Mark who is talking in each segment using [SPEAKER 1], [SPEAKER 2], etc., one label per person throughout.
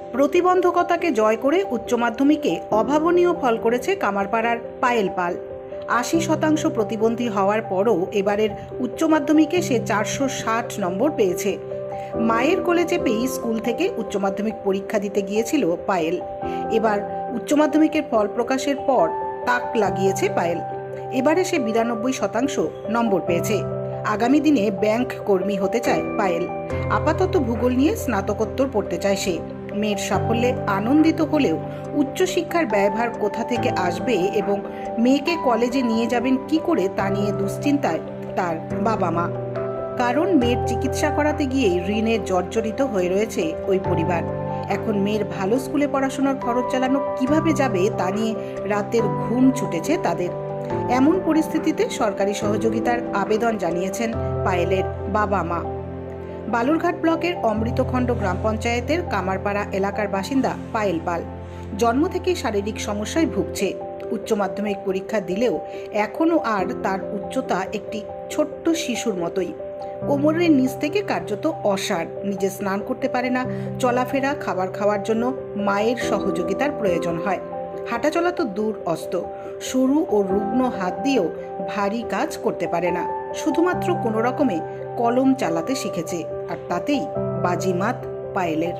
[SPEAKER 1] প্রতিবন্ধকতাকে জয় করে উচ্চ মাধ্যমিকে অভাবনীয় ফল করেছে কামারপাড়ার পায়েল পাল। ৮০% প্রতিবন্ধী হওয়ার পরও এবারের উচ্চ মাধ্যমিকে সে 460 নম্বর পেয়েছে। মায়ের কোলে চেপেই স্কুল থেকে উচ্চ মাধ্যমিক পরীক্ষা দিতে গিয়েছিল পায়েল। এবার উচ্চ মাধ্যমিকের ফল প্রকাশের পর তাক লাগিয়েছে পায়েল। এবারে সে 92% নম্বর পেয়েছে। আগামী দিনে ব্যাংক কর্মী হতে চায় পায়েল। আপাতত ভূগোল নিয়ে স্নাতকোত্তর পড়তে চায় সে। মেয়ের সাফল্যে আনন্দিত হলেও উচ্চশিক্ষার ব্যয়ভার কোথা থেকে আসবে এবং মেয়েকে কলেজে নিয়ে যাবেন কি করে তা নিয়ে দুশ্চিন্তায় তার বাবা মা। কারণ মেয়ের চিকিৎসা করাতে গিয়ে ঋণে জর্জরিত হয়ে রয়েছে ওই পরিবার। এখন মেয়ের ভালো স্কুলে পড়াশোনার খরচ চালানো কিভাবে যাবে তা নিয়ে রাতের ঘুম ছুটেছে তাদের। এমন পরিস্থিতিতে সরকারি সহযোগিতার আবেদন জানিয়েছেন পায়েলের বাবা মা। বালুরঘাট ব্লকের অমৃতখণ্ড গ্রাম পঞ্চায়েতের কামারপাড়া এলাকার বাসিন্দা পায়েল পাল জন্ম থেকেই শারীরিক সমস্যায় ভুগছে। উচ্চ মাধ্যমিক পরীক্ষা দিলেও এখনও আর তার উচ্চতা একটি ছোট্ট শিশুর মতোই। কোমরের নিচ থেকে কার্যত অসাড়। নিজে স্নান করতে পারে না। চলাফেরা, খাবার খাওয়ার জন্য মায়ের সহযোগিতার প্রয়োজন হয়। হাঁটাচলা তো দূর অস্ত, সরু ও রুগ্ন হাত দিয়েও ভারী কাজ করতে পারে না। শুধুমাত্র কোনো রকমে কলম চালাতে শিখেছে, আর তাতেই বাজিমাত পায়েলের।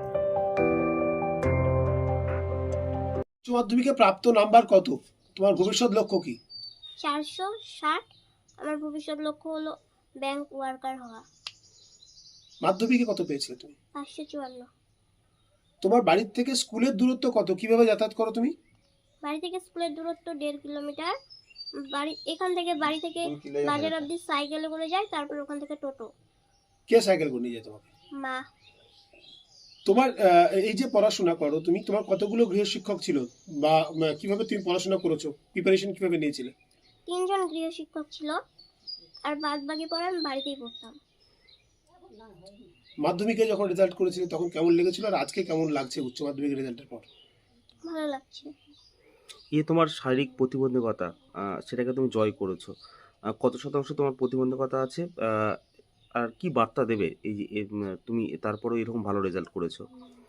[SPEAKER 2] উচ্চ মাধ্যমিকে প্রাপ্ত নাম্বার কত? তোমার ভবিষ্যৎ লক্ষ্য কি?
[SPEAKER 3] 460। আমার ভবিষ্যৎ লক্ষ্য হলো ব্যাংক ওয়ার্কার হওয়া।
[SPEAKER 2] মাধ্যমিকে কত পেয়েছিলে তুমি?
[SPEAKER 3] 554।
[SPEAKER 2] তোমার বাড়ির থেকে স্কুলের দূরত্ব কত? কিভাবে যাতায়াত করো তুমি?
[SPEAKER 3] বাড়ি থেকে স্কুলের দূরত্ব 1.5 কিলোমিটার। এখান থেকে বাড়ি থেকে বাজার অবধি সাইকেলে করে যাই, তারপর ওখান থেকে টোটো।
[SPEAKER 2] কে সাইকেল করে নিয়ে যায় তোমাকে?
[SPEAKER 3] মা।
[SPEAKER 2] তোমার এই যে পড়াশোনা করো তুমি, তোমার কতগুলো গৃহশিক্ষক ছিল বা কিভাবে তুমি পড়াশোনা করেছো? প্রিপারেশন কিভাবে নিয়েছিলে?
[SPEAKER 3] 3 জন গৃহশিক্ষক ছিল, আর বাদ বাকি পড়া আমি বাড়িতেই পড়তাম।
[SPEAKER 2] মাধ্যমিকে যখন রেজাল্ট করেছিলে তখন কেমন লেগেছিল, আর আজকে কেমন লাগছে উচ্চ মাধ্যমিক রেজাল্টের পর?
[SPEAKER 3] ভালো লাগছে।
[SPEAKER 4] তোমার শারীরিক প্রতিবন্ধকতা, সেটাকে তুমি জয় করেছো। কত শতাংশ তোমার প্রতিবন্ধকতা আছে, আর কি বার্তা দেবে এই যে তুমি তারপরেও এরকম ভালো রেজাল্ট করেছো?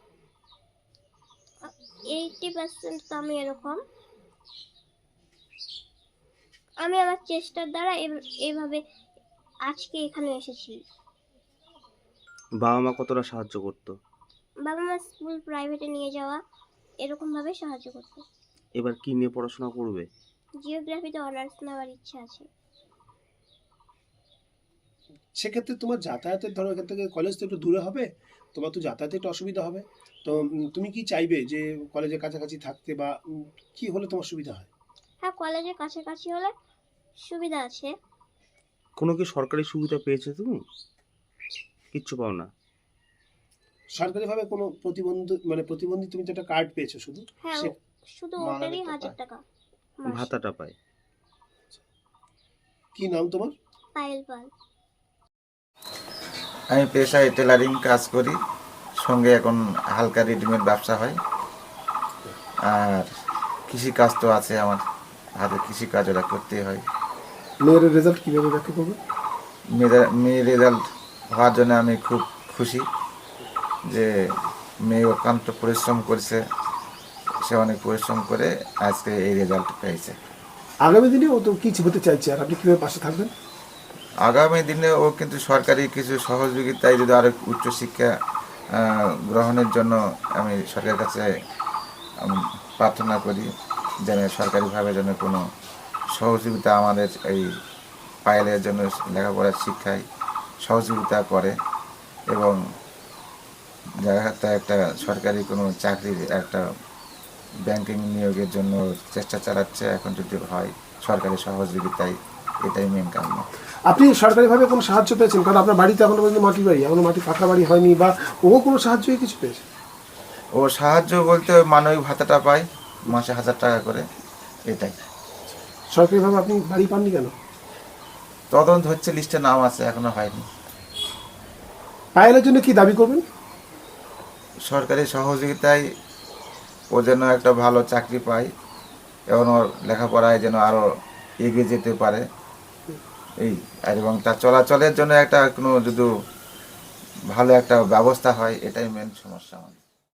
[SPEAKER 3] 80% তো আমি এরকম। আমি আমার চেষ্টার দ্বারা এইভাবে আজকে এখানে এসেছি।
[SPEAKER 4] বাবা মা কতটা সাহায্য করতো?
[SPEAKER 3] বাবা মা স্কুল প্রাইভেটে নিয়ে যাওয়া, এরকম ভাবে সাহায্য করতো।
[SPEAKER 4] এবার কি নিয়ে পড়াশোনা করবে?
[SPEAKER 3] জিওগ্রাফিতে অনার্স নেওয়ার ইচ্ছা আছে।
[SPEAKER 2] সেক্ষেত্রে তোমার যাতায়াতের, ধরো এখান থেকে কলেজ তো একটু দূরে হবে, তোমার তো যাতায়াতে একটু অসুবিধা হবে। তো তুমি কি চাইবে যে কলেজের কাছাকাছি থাকতে, বা কি হলে তোমার সুবিধা হয়?
[SPEAKER 3] হ্যাঁ, কলেজের কাছাকাছি হলে সুবিধা আছে।
[SPEAKER 4] কোনো কি সরকারি সুবিধা পেয়েছো তুমি? কিচ্ছু পাও না?
[SPEAKER 2] সরকারিভাবে কোনো প্রতিবন্ধী তুমি তো একটা কার্ড পেয়েছো শুধু?
[SPEAKER 3] হ্যাঁ, শুধু ওটারই 1000 টাকা মাসে।
[SPEAKER 4] ভাতাটা পায়।
[SPEAKER 2] কি নাম তোমার?
[SPEAKER 3] পায়েল পাল।
[SPEAKER 5] আমি পেশায় টেলারিং কাজ করি, সঙ্গে এখন হালকা রেডিমেড ব্যবসা হয়। আর কৃষিকাজ তো আছে, আমার হাতে কৃষিকাজ ওরা করতে হয়।
[SPEAKER 2] মেয়ের রেজাল্ট কীভাবে ব্যাখ্যা করবে?
[SPEAKER 5] মেয়ের রেজাল্ট হওয়ার জন্য আমি খুব খুশি যে মেয়ে অত্যন্ত পরিশ্রম করছে, সে অনেক পরিশ্রম করে আজকে এই রেজাল্ট পেয়েছে।
[SPEAKER 2] আগামী দিনে ও তো কিছু হতে চাইছে, আর আপনি কীভাবে পাশে থাকবেন?
[SPEAKER 5] আগামী দিনে ও কিন্তু সরকারি কিছু সহযোগিতায় যদি আরও উচ্চশিক্ষা গ্রহণের জন্য আমি সরকারের কাছে প্রার্থনা করি, যেন সরকারিভাবে যেন কোনো সহযোগিতা আমাদের এই পায়েলের জন্য লেখাপড়ার শিক্ষায় সহযোগিতা করে, এবং একটা সরকারি কোনো চাকরির একটা ব্যাংকিং নিয়োগের জন্য চেষ্টা চালাচ্ছে। এখন যদি হয় সরকারি সহযোগিতায়, এটাই মেন কারণ।
[SPEAKER 2] আপনি সরকারিভাবে কোনো সাহায্য পেয়েছেন? কারণ আপনার বাড়িতে এখনো পর্যন্ত মাটির বাড়ি, এখনো মাটি পাকা বাড়ি হয়নি, বা ও কোনো সাহায্য কিছু পেয়েছে?
[SPEAKER 5] ও সাহায্য বলতে মানবিক ভাতাটা পায় মাসে 1000 টাকা করে, এটাই।
[SPEAKER 2] সরকারিভাবে আপনি বাড়ি পাননি কেন?
[SPEAKER 5] তদন্ত হচ্ছে, লিস্টে নাম আছে, এখনো হয়নি।
[SPEAKER 2] পায়েলের জন্য কি দাবি করবেন?
[SPEAKER 5] সরকারি সহযোগিতায় ও যেন একটা ভালো চাকরি পায়, এবং ওর লেখাপড়ায় যেন আরও এগিয়ে যেতে পারে, এই এবং তার চলাচলের জন্য একটা কোনো যদি ভালো একটা ব্যবস্থা হয়, এটাই মেন সমস্যা আমাদের।